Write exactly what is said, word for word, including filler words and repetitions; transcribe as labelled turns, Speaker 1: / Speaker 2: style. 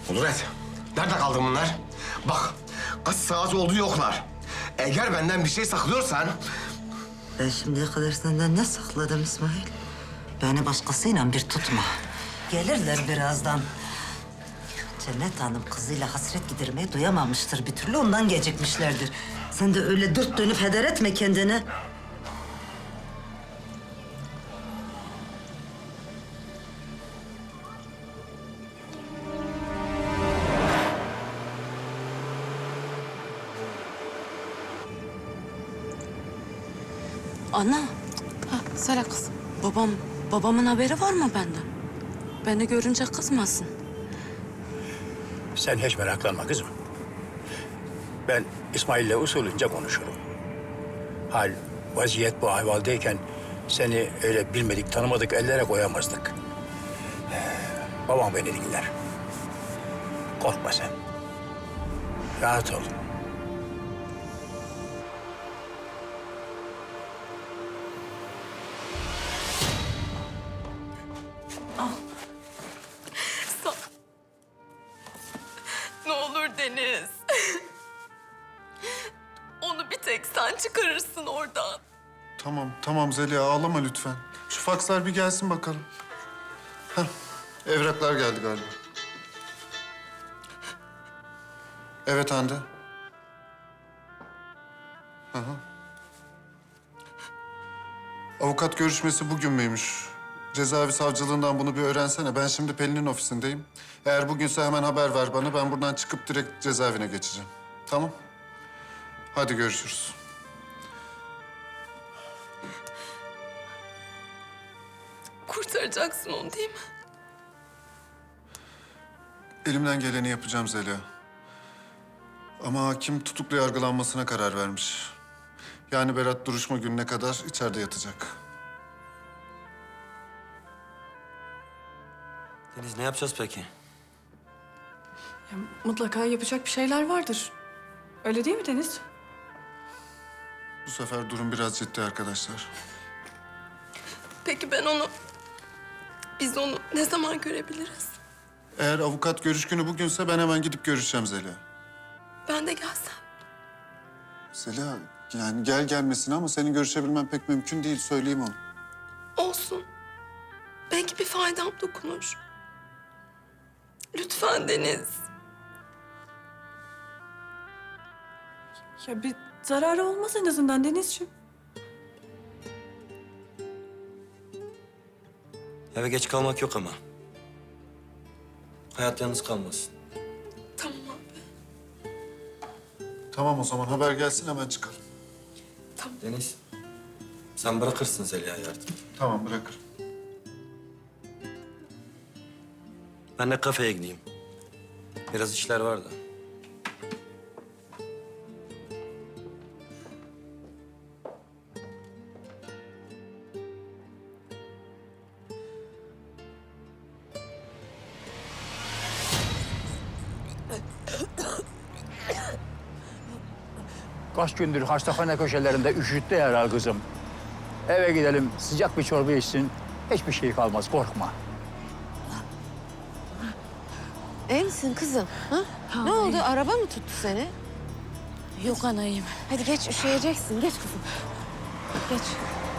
Speaker 1: Kudret, nerede kaldı bunlar? Bak, kaç saat oldu yoklar. Eğer benden bir şey saklıyorsan...
Speaker 2: Ben şimdiye kadar senden ne sakladım İsmail? Beni başkasıyla bir tutma. Gelirler birazdan. Cennet Hanım kızıyla hasret gidermeyi duyamamıştır bir türlü, ondan gecikmişlerdir. Sen de öyle dört dönüp heder etme kendini.
Speaker 3: Ana. Ha, söyle kızım. Babam, babamın haberi var mı benden? Beni görünce kızmasın.
Speaker 4: Sen hiç meraklanma kızım. Ben İsmail'le usulünce konuşurum. Hal, vaziyet bu ahvaldeyken seni öyle bilmedik, tanımadık ellere koyamazdık. Ee, babam beni dinler. Korkma sen. Rahat ol.
Speaker 3: Ne olur Deniz. Onu bir tek sen çıkarırsın oradan.
Speaker 5: Tamam, tamam Zeliha ağlama lütfen. Şu fakslar bir gelsin bakalım. Heh, evraklar geldi galiba. Evet Hande. Hı hı. Avukat görüşmesi bugün müymüş? Cezaevi savcılığından bunu bir öğrensene. Ben şimdi Pelin'in ofisindeyim. Eğer bugünse hemen haber ver bana. Ben buradan çıkıp direkt cezaevine geçeceğim. Tamam? Hadi görüşürüz.
Speaker 3: Kurtaracaksın onu değil mi?
Speaker 5: Elimden geleni yapacağım Zeliha. Ama hakim tutuklu yargılanmasına karar vermiş. Yani Berat duruşma gününe kadar içeride yatacak.
Speaker 6: Deniz ne yapacağız peki?
Speaker 7: Ya, mutlaka yapacak bir şeyler vardır. Öyle değil mi Deniz?
Speaker 5: Bu sefer durum biraz ciddi arkadaşlar.
Speaker 3: Peki ben onu... Biz onu ne zaman görebiliriz?
Speaker 5: Eğer avukat görüş günü bugünse ben hemen gidip görüşeceğim Zeliha.
Speaker 3: Ben de gelsem.
Speaker 5: Zeliha yani gel gelmesin ama senin görüşebilmen pek mümkün değil, söyleyeyim onu.
Speaker 3: Olsun. Belki bir faydam dokunur. Lütfen Deniz.
Speaker 7: Ya bir zararı olmaz en azından Denizciğim.
Speaker 6: Eve geç kalmak yok ama. Hayat yalnız kalmasın.
Speaker 3: Tamam abi.
Speaker 5: Tamam o zaman haber gelsin hemen çıkalım.
Speaker 6: Deniz, sen bırakırsın Zeliha'yı artık.
Speaker 5: Tamam bırakırım.
Speaker 6: Ben de kafeye gideyim. Biraz işler var da.
Speaker 4: Kaç gündür hastahane köşelerinde üşüttü herhal kızım. Eve gidelim, sıcak bir çorba içsin. Hiçbir şey kalmaz, korkma.
Speaker 8: İyi misin kızım? Ha? Ne oldu? Araba mı tuttu seni?
Speaker 3: Yok anayım.
Speaker 8: Hadi geç, üşüyeceksin. Geç kızım. Geç.